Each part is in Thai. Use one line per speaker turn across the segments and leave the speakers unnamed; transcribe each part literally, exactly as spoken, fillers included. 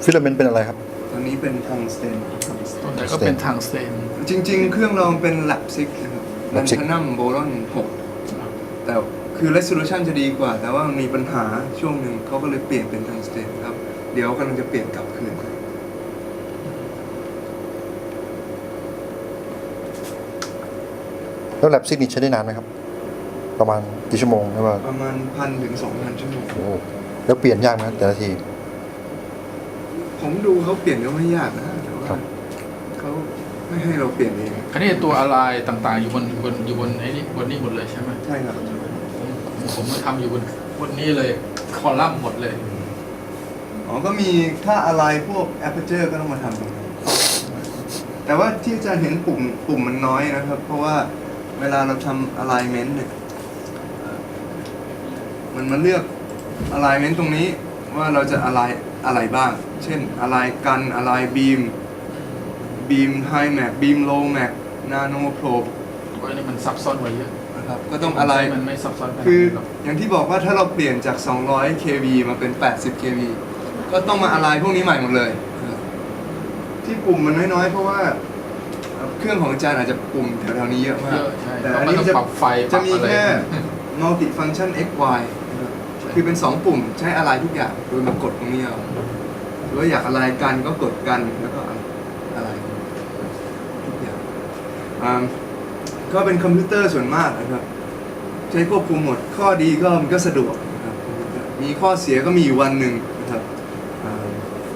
ฟิลาเมนต์เป็นอะไรครับ
ตอนนี้เป็นทางสเตน
ตัวไหนก็เป็นทางสเตน
จริงๆ เครื่องเราเป็นแลบซิกนะครับแลน
Lapsic
ทนัมโบรอนหกแต่คือ resolution จะดีกว่า แต่ว่ามันมีปัญหาช่วงหนึ่งเขาก็เลยเปลี่ยนเป็นทางสเตนครับ เดี๋ยวกำลังจะเปลี่ยนกลับคืน
แล้วแลบซิกนี่ใช้ได้นานไหมครับ ประมาณกี่ชั่วโมงหรือว่า
ประมาณพันถึงสองพันชั่วโมง
โอ้แล้วเปลี่ยนยากไหมครับแต่ละที
ผมดูเขาเปลี่ยนก็ไม่ยากนะแต่ว่า
ครับ
เขาไม่ให้เราเปลี่ยนเอง
คันนี้ตัวอะไรต่างๆอยู่บนบนอยู่บนไอ้นี่บนนี้หมดเลยใช่ไหม
ใช่ครับ
ผมมาทำอยู่บนบนนี้เลยคอลัมน์หมดเลย
อ๋อก็มีถ้าอะไรพวก aperture ก็ต้องมาทำตรงนี้แต่ว่าที่อาจารย์เห็นปุ่มปุ่มมันน้อยนะครับ เพราะว่าเวลาเราทำ alignment เนี่ยเอ่อมันมาเลือก alignment ตรงนี้ว่าเราจะ align อะไรบ้าง เช่น align กัน align beam beam high max beam low max nano probe
เพราะอันนี้มันซับซ้อนกว่าเยอะ
นะครับก็ต้อง align
มันไม่ซับซ้อนขนาด
คือ
นั้นหรอก
อย่างที่บอกว่าถ้าเราเปลี่ยนจาก สองร้อย เค วี มาเป็น แปดสิบ เค วี ก็ต้องมาอะไรพวกนี้ใหม่หมดเลยนะครับที่ปุ่มมันน้อยๆ เพราะว่าเครื่องของอาจารย์อาจจะปุ่มแถวๆนี้เยอะมาก
เยอะใช่
แต่
เพราะ
อัน
มัน
นี้
ต้อง
จะ
ปรับไฟป
จะ
รับ
มี
อะไร
แค่ multi function x y นะครับคือเป็น สอง ปุ่มใช้อะไรทุกอย่าง โดยมากดตรงนี้เอาหรือว่าอยากอะไรกันก็กดกันแล้วก็อะไรทุกอย่างอ่าก็เป็นคอมพิวเตอร์ส่วนมากนะครับ ใช้ควบคุมหมด ข้อดีก็มันก็สะดวกนะครับมีข้อเสียก็มีอยู่วันหนึ่งนะครับอ่า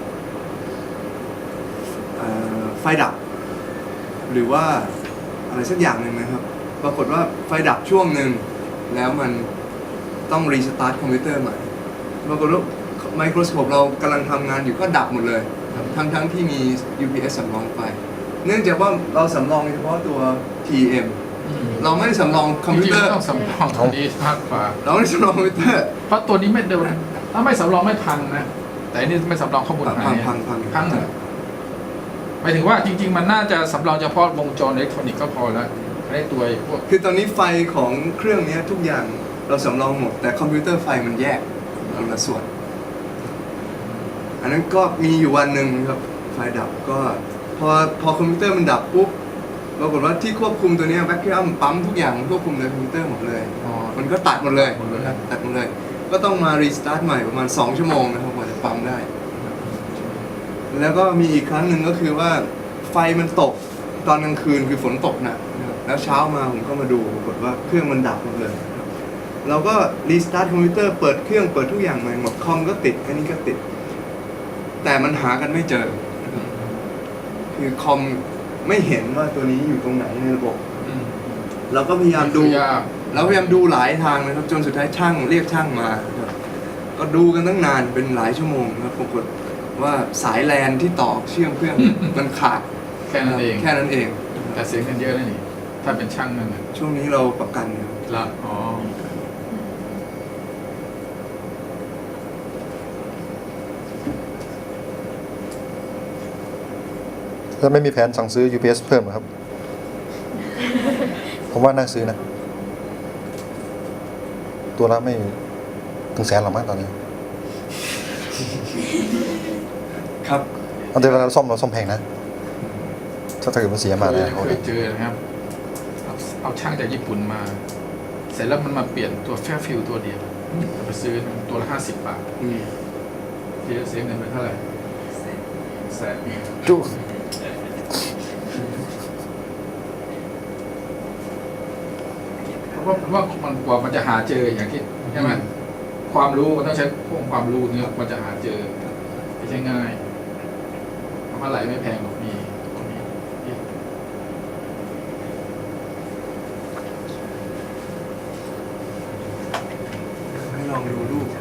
อ่าไฟดับ หรือว่าอะไรสักอย่างหนึ่งนะครับ ปรากฏว่าไฟดับช่วงหนึ่งแล้วมันต้องรีสตาร์ทคอมพิวเตอร์ใหม่ปรากฏว่าไมโครสโคปเรากำลังทำงานอยู่ก็ดับหมดเลยครับทั้งทั้งที่มี ยู พี เอส สำรองไฟ เนื่องจากว่าเราสำรองเฉพาะตัว ที เอ็ม
อืม
เราไม่ได้สำรองคอมพิวเตอร์
จงๆต้องสำรองตัวนี้มากกว่า
เราไม่ได้สำรองคอมพิวเตอร์
เพราะตัวนี้ไม่เดินถ้าไม่สำรองไม่พังนะ แต่อันนี้ไม่สำรองข้อมูล
พัง
หาย
พังพัง
พังเหรอหมายถึงว่าจริง ๆ มันน่าจะสำรองเฉพาะวงจรอิเล็กทรอนิกส์ก็พอแล้วได้ตัวพวก
คือตอนนี้ไฟของเครื่องนี้ทุกอย่างเราสำรองหมด แต่คอมพิวเตอร์ไฟมันแยกคนละส่วน อันนั้นก็มีอยู่วันหนึ่งครับไฟดับก็พอพอคอมพิวเตอร์มันดับปุ๊บปรากฏว่าที่ควบคุมตัวนี้แวคคิวมปั๊มทุกอย่างควบคุมในคอมพิวเตอร์หมดเลย
อ๋อ
มันก็ตัดหมดเลย
หมดเลย
นะครับตัดหมดเลย ก็ต้องมารีสตาร์ทใหม่ประมาณ สอง ชั่วโมงนะครับกว่าจะปั๊มได้ แล้วก็มีอีกครั้งหนึ่งก็คือว่าไฟมันตกตอนกลางคืนคือฝนตกหนักนะครับแล้วเช้ามาผมก็มาดูปรากฏว่าเครื่องมันดับหมดเลยนะครับเราก็รีสตาร์ทคอมพิวเตอร์เปิดเครื่องเปิดทุกอย่างใหม่หมดคอมก็ติดอันนี้ก็ติด แต่มันหากันไม่เจอนะครับคือคอมไม่เห็นว่าตัวนี้อยู่ตรงไหนในระบบ
อืม
เราก็พยายามดู
ยาก
เราพยายามดูหลายทางนะครับ จนสุดท้ายช่างเรียกช่างมาครับก็ดูกันตั้งนานเป็นหลายชั่วโมงนะครับปรากฏว่าสายแลนที่ต่อเชื่อมเครื่อง มันขาด
แค่นั้นเอง
แค่นั้นเอง
แต่เสียเงินเยอะนะนี่ถ้าเป็นช่างนั่นน่ะ
ช่วงนี้เราประกันเนี่ย
ละอ๋อ
แล้วไม่มีแผนสั่งซื้อ ยู พี เอส เพิ่มเหรอครับ ผมว่าน่าซื้อนะ ตัวละไม่ถึงแสนหรอกมั้งตอนนี้
ครับ
เอาแต่เวลาเราซ่อมเราซ่อมแพงนะ ถ้าเกิดมันเสียมา
เค
เนี่ย
ยเคยเจอนะครับเอาเอาช่างจากญี่ปุ่นมา เสร็จแล้วมันมาเปลี่ยนตัวแฟฟิลตัวเดียวไปซื้อตัวละห้าสิบบาท
อืม
ที่จะเสียเงินไปเท่าไหร่แสน
จุ
เพราะว่าว่ามันกว่ามันจะหาเจออย่างที่ใช่ไหมความรู้มันต้องใช้พวกความรู้เนี่ยมันจะหาเจอไม่ใช่ง่ายเพราะว่าไหลไม่แพงหรอกมีพวกนี้
ให้ลองดูรูป